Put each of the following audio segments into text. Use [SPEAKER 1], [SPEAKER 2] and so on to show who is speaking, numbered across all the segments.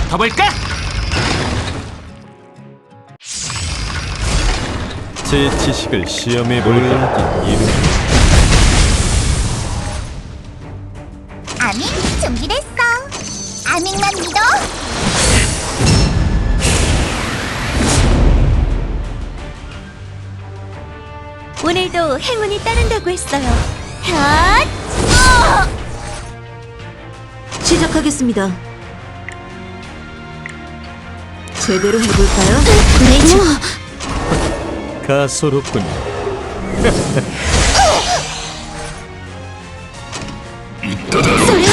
[SPEAKER 1] 붙어볼까?
[SPEAKER 2] 제 지식을 시험해 볼까? 이름
[SPEAKER 3] 아밍 준비됐어. 아밍만 믿어.
[SPEAKER 4] 오늘도 행운이 따른다고 했어요. 핫! 시작하겠습니다. 제대로 해볼까요? 그레이저.
[SPEAKER 2] 가소롭군요.
[SPEAKER 4] 소리야?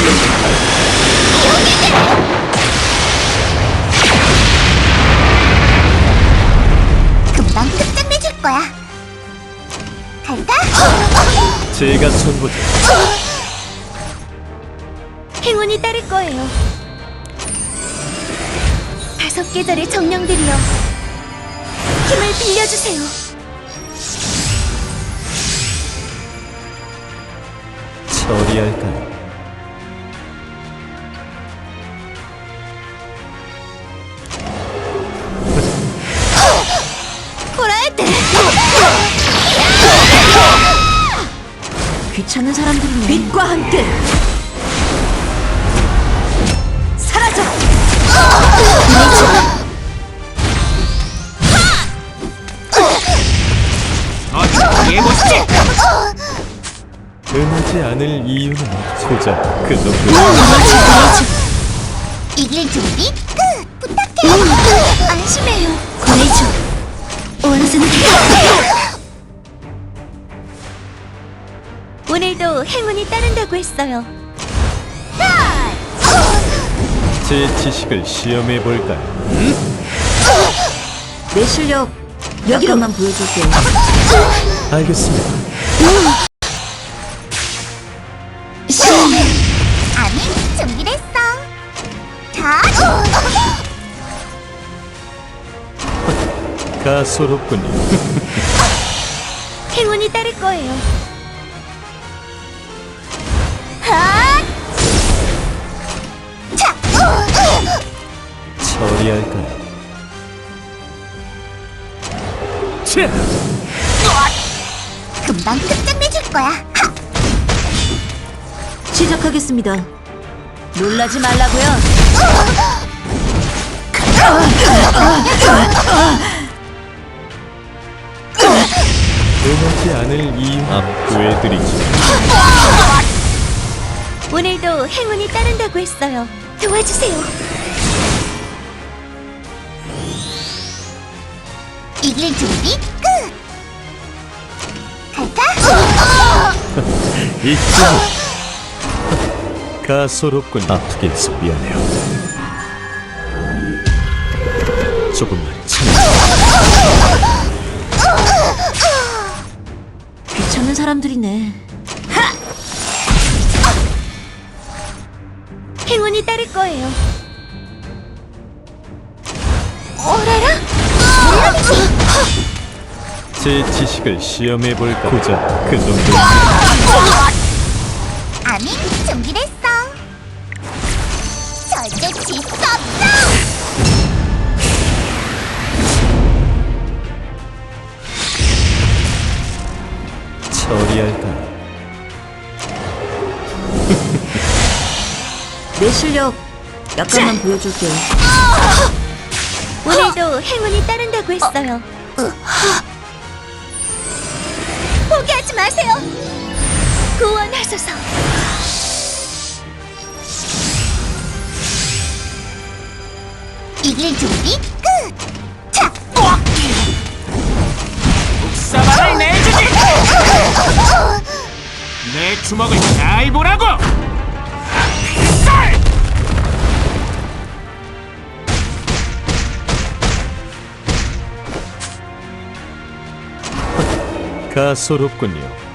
[SPEAKER 3] 금방 끝장내줄 거야. 갈까?
[SPEAKER 2] 제가 선보죠.
[SPEAKER 4] 행운이 따를 거예요. 5계절의 정령들이여, 힘을 빌려주세요.
[SPEAKER 2] 처리할까요?
[SPEAKER 4] 호라에테! 귀찮은 사람들이네. 빛과 함께 사라져!
[SPEAKER 1] 어디 해보시지.
[SPEAKER 2] 응하지 않을 이유는 소자 그 정도.
[SPEAKER 3] 이길 준비 끝. 부탁해.
[SPEAKER 4] 안심해요. 그레이저, 원수는 오늘도 행운이 따른다고 했어요.
[SPEAKER 2] 제 지식을 시험해 볼까요?
[SPEAKER 4] 내 실력 여기로만 보여줄게요.
[SPEAKER 2] 알겠습니다.
[SPEAKER 3] 아밍 준비됐어. 자.
[SPEAKER 2] 가소롭군요.
[SPEAKER 4] 행운이 따를 거예요. 핫!
[SPEAKER 3] 자.
[SPEAKER 2] 처리할까요?
[SPEAKER 1] 치!
[SPEAKER 3] 금방 끝장내줄 거야. 하!
[SPEAKER 4] 시작하겠습니다. 놀라지 말라고요.
[SPEAKER 2] 응하지 않을 이유 구해드리죠.
[SPEAKER 4] 오늘도 행운이 따른다고 했어요. 도와주세요.
[SPEAKER 3] 이길 준비 끝. 갈까?
[SPEAKER 2] 있지. 가소롭군. 아프게 해서 미안해요. 조금만 참아.
[SPEAKER 4] 귀찮은 사람들이네. 행운이 따를 거예요. 오라라?
[SPEAKER 2] 제 지식을 시험해 볼까? 고작 그 정도.
[SPEAKER 3] 아밍 준비됐어. 절대 질 수 없어.
[SPEAKER 2] 처리할까요?
[SPEAKER 4] 내 실력 약간만 보여줄게요. 오늘도 행운이 따른다고 했어요. 포기하지 마세요. 구원하소서.
[SPEAKER 3] 이길 준비 끝. 자.
[SPEAKER 1] 사발을 내주지. 내 주먹을 잘 보라고. 쌀!
[SPEAKER 2] 가소롭군요.